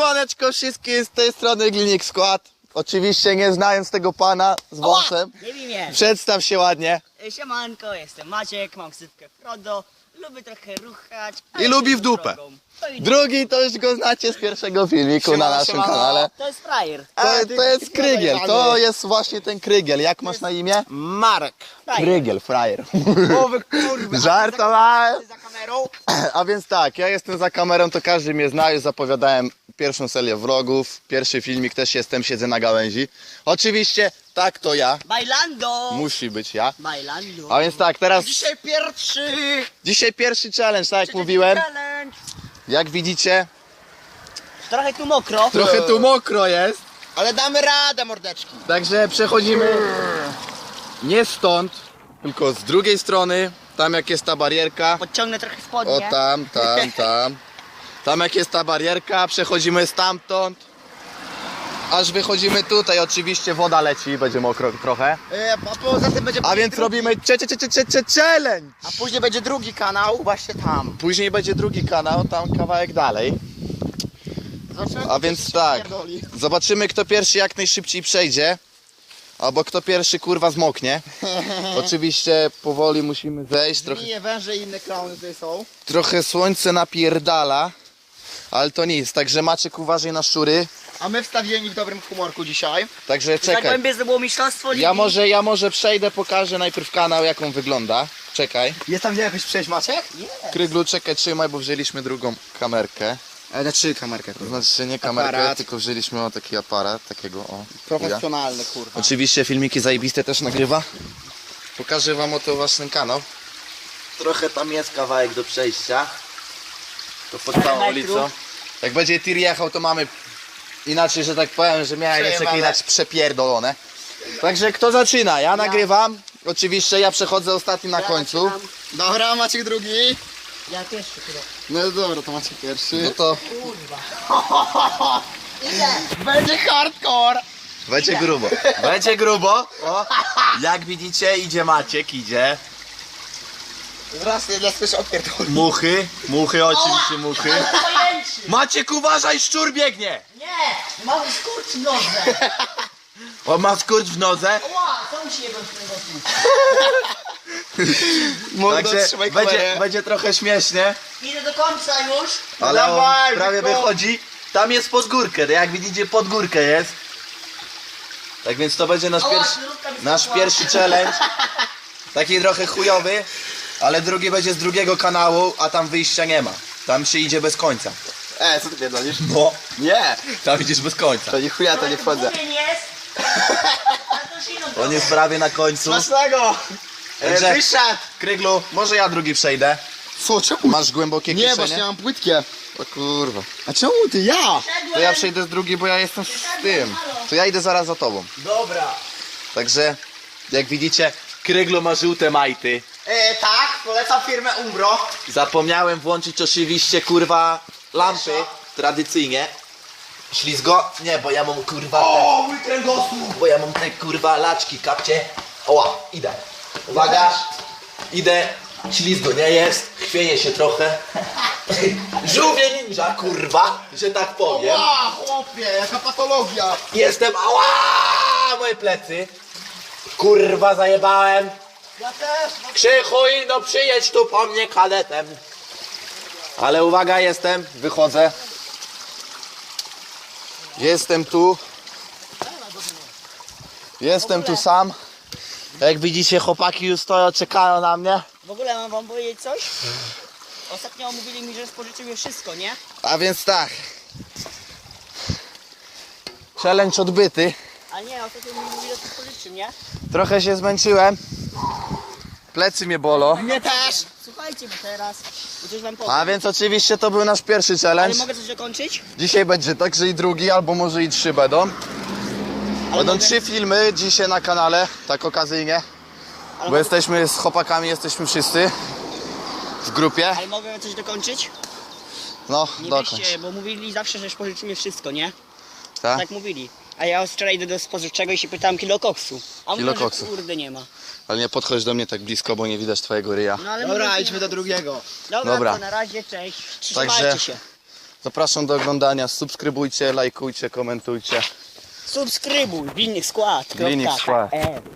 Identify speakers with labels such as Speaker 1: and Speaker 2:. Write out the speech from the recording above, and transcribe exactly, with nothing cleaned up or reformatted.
Speaker 1: Siemaneczko wszystkim, z tej strony Glinik Skład. Oczywiście nie znając tego pana z wąsem.
Speaker 2: Nie wiem, nie.
Speaker 1: Przedstaw się ładnie.
Speaker 2: Siemanko, jestem Maciek, mam ksywkę Frodo, lubię trochę ruchać.
Speaker 1: I lubi w dupę. Drugi to już go znacie z pierwszego filmiku
Speaker 3: Siemano,
Speaker 1: na naszym
Speaker 3: siemano.
Speaker 1: kanale.
Speaker 2: To jest frajer.
Speaker 1: To, to jest Krygiel, to jest właśnie ten Krygiel. Jak masz na imię?
Speaker 3: Marek.
Speaker 2: Frajer.
Speaker 1: Krygiel, frajer.
Speaker 3: O wy kurwa.
Speaker 1: Żartowałem.
Speaker 3: Za kamerą?
Speaker 1: A więc tak, ja jestem za kamerą, to każdy mnie zna, już zapowiadałem pierwszą serię vlogów, pierwszy filmik też jestem, siedzę na gałęzi. Oczywiście, tak to ja,
Speaker 2: Bailando.
Speaker 1: musi być ja.
Speaker 2: Bailando.
Speaker 1: A więc tak, teraz
Speaker 3: Dzisiaj pierwszy.
Speaker 1: dzisiaj pierwszy challenge, tak jak mówiłem.
Speaker 2: Challenge.
Speaker 1: Jak widzicie,
Speaker 2: Trochę tu mokro.
Speaker 1: trochę tu mokro jest,
Speaker 3: Ale damy radę, mordeczki.
Speaker 1: także przechodzimy nie stąd, tylko z drugiej strony, tam jak jest ta barierka.
Speaker 2: Podciągnę trochę spodnie.
Speaker 1: O tam, tam, tam. Tam jak jest ta barierka, przechodzimy stamtąd. Aż wychodzimy tutaj, oczywiście woda leci, będzie mokro trochę.
Speaker 3: E, a poza tym będzie
Speaker 1: A więc
Speaker 3: drugi,
Speaker 1: robimy cze, cze, cze, cze, cze, challenge.
Speaker 3: A później będzie drugi kanał, właśnie tam.
Speaker 1: Później będzie drugi kanał, tam kawałek dalej.
Speaker 3: Zobaczymy,
Speaker 1: A
Speaker 3: kto
Speaker 1: więc
Speaker 3: się
Speaker 1: tak,
Speaker 3: pierdoli.
Speaker 1: zobaczymy kto pierwszy jak najszybciej przejdzie. Albo kto pierwszy kurwa zmoknie. Oczywiście powoli musimy zejść, trochę,
Speaker 3: Żmije, węże i inne klauny tutaj są.
Speaker 1: trochę słońce napierdala. Ale to nic, także Maciek uważaj na szczury.
Speaker 3: A my wstawieni w dobrym humorku dzisiaj.
Speaker 1: Także czekaj.
Speaker 2: Zagłębie to było mistrzostwo ligi.
Speaker 1: Ja może, ja może przejdę, pokażę najpierw kanał jak on wygląda. Czekaj.
Speaker 3: Jest tam gdzie jakoś przejść, Maciek?
Speaker 1: Kryglu, czekaj, trzymaj, bo wzięliśmy drugą kamerkę.
Speaker 3: E, znaczy kamerkę.
Speaker 1: To znaczy, że nie kamerkę,
Speaker 3: Aparat.
Speaker 1: tylko wzięliśmy o taki aparat, takiego o. chuja.
Speaker 3: Profesjonalny, kurwa.
Speaker 1: Oczywiście filmiki zajebiste też nagrywa. Pokażę wam oto właśnie kanał. Trochę tam jest kawałek do przejścia. To pod całą
Speaker 2: metrów.
Speaker 1: ulicą. Jak będzie tir jechał, to mamy inaczej, że tak powiem, że miałem jeszcze
Speaker 3: Przejebane.
Speaker 1: kiedyś przepierdolone. Także kto zaczyna? Ja nagrywam. Oczywiście ja przechodzę ostatni na
Speaker 2: Ja
Speaker 1: końcu.
Speaker 2: zaczynam.
Speaker 3: Dobra, Maciek drugi.
Speaker 2: Ja pierwszy chyba.
Speaker 3: No dobra, to Maciek pierwszy.
Speaker 1: No to
Speaker 2: Kurwa. Idę.
Speaker 3: Będzie hardcore.
Speaker 1: będzie grubo. Będzie grubo. O, jak widzicie, idzie Maciek, idzie.
Speaker 3: Zaraz nie dla słyszę opierdoli.
Speaker 1: Muchy, muchy, oczywiście muchy.
Speaker 2: Pojęczy.
Speaker 1: Maciek, uważaj, szczur biegnie!
Speaker 2: Nie. Mały skurcz w nodze.
Speaker 1: On ma skurcz w nodze.
Speaker 2: Ła, co musi jebać z tego tu?
Speaker 3: Mordo,
Speaker 1: Także
Speaker 3: trzymaj
Speaker 1: będzie,
Speaker 3: kamerę.
Speaker 1: będzie trochę śmiesznie,
Speaker 2: Idę do końca już.
Speaker 1: ale on
Speaker 3: Dawaj,
Speaker 1: prawie
Speaker 3: Wiko.
Speaker 1: wychodzi. Tam jest pod górkę, jak widzicie pod górkę jest. Tak więc to będzie nasz
Speaker 2: Ała,
Speaker 1: pierwszy,
Speaker 2: śrubka mi
Speaker 1: nasz
Speaker 2: spadła.
Speaker 1: pierwszy challenge. Taki trochę chujowy, ale drugi będzie z drugiego kanału, a tam wyjścia nie ma. Tam się idzie bez końca.
Speaker 3: E, co ty pierdolisz?
Speaker 1: No,
Speaker 3: Nie.
Speaker 1: tam idziesz bez końca.
Speaker 3: To nie chuja, to nie wchodzę.
Speaker 2: Mówię, nie jest. Ale to już inną
Speaker 1: On jest prawie na końcu.
Speaker 3: Smacznego.
Speaker 1: Także-
Speaker 3: E, wyszedł.
Speaker 1: Kryglu, może ja drugi przejdę.
Speaker 3: Co, czemu?
Speaker 1: Masz głębokie
Speaker 3: Nie,
Speaker 1: kieszenie?
Speaker 3: właśnie ja mam płytkie.
Speaker 1: O kurwa.
Speaker 3: A czemu ty? Ja.
Speaker 1: To ja przejdę z drugi, bo ja jestem z tym. To ja idę zaraz za tobą.
Speaker 2: Dobra.
Speaker 1: Także, jak widzicie, Kryglu ma żółte majty.
Speaker 3: E, tak, polecam firmę Umbro.
Speaker 1: Zapomniałem włączyć oczywiście, kurwa, lampy. Tradycyjnie. Ślizgo? Nie, bo ja mam, kurwa, te,
Speaker 3: O, mój kręgosłup.
Speaker 1: bo ja mam te, kurwa, laczki, kapcie. Oła, idę. Uwaga, idę. Ślizgo nie jest, chwieje się trochę. Żółwie ninja, kurwa, że tak powiem.
Speaker 3: Ła, chłopie, jaka patologia.
Speaker 1: Jestem, ała, moje plecy. Kurwa, zajebałem.
Speaker 3: Ja też.
Speaker 1: Krzychu, no przyjedź tu po mnie kadetem. Ale uwaga, jestem, wychodzę. Jestem tu. Jestem tu sam. Jak widzicie, chłopaki już stoją, czekają na mnie.
Speaker 2: W ogóle mam wam powiedzieć coś? Ostatnio mówili mi, że spożyczyły wszystko, nie?
Speaker 1: A więc tak. Challenge odbyty.
Speaker 2: A nie, ostatnio mi mówili, że to spożyczy, nie?
Speaker 1: Trochę się zmęczyłem. Plecy mnie bolą.
Speaker 3: Mnie też.
Speaker 2: Słuchajcie, bo teraz bo coś wam powiem.
Speaker 1: A więc oczywiście to był nasz pierwszy
Speaker 2: Ale
Speaker 1: challenge.
Speaker 2: mogę coś dokończyć?
Speaker 1: Dzisiaj będzie także i drugi, albo może i trzy będą. Będą
Speaker 2: mogę-
Speaker 1: trzy filmy dzisiaj na kanale, tak okazyjnie.
Speaker 2: Ale,
Speaker 1: Bo
Speaker 2: mogę,
Speaker 1: jesteśmy z chłopakami, jesteśmy wszyscy w grupie.
Speaker 2: ale mogę coś dokończyć?
Speaker 1: No,
Speaker 2: Nie
Speaker 1: dokończ.
Speaker 2: weźcie, bo mówili zawsze, że spożyczymy wszystko, nie?
Speaker 1: Tak?
Speaker 2: Tak mówili. A ja wczoraj idę do spożywczego i się pytałem kilo koksu. A
Speaker 1: Kilo
Speaker 2: mówią,
Speaker 1: koksu.
Speaker 2: że kurde nie ma.
Speaker 1: Ale nie podchodź do mnie tak blisko, bo nie widać twojego ryja.
Speaker 2: No ale
Speaker 3: Dobra,
Speaker 2: mówią, że
Speaker 3: idźmy
Speaker 2: nie
Speaker 3: do
Speaker 2: ma.
Speaker 3: drugiego.
Speaker 2: Dobra,
Speaker 1: Dobra.
Speaker 2: to na razie, cześć. Trzymajcie
Speaker 1: Także-
Speaker 2: się.
Speaker 4: Zapraszam do oglądania, subskrybujcie, lajkujcie, komentujcie.
Speaker 2: Subskrybuj, Wilnik Skład.
Speaker 4: Wilnik Skład.
Speaker 2: K P L.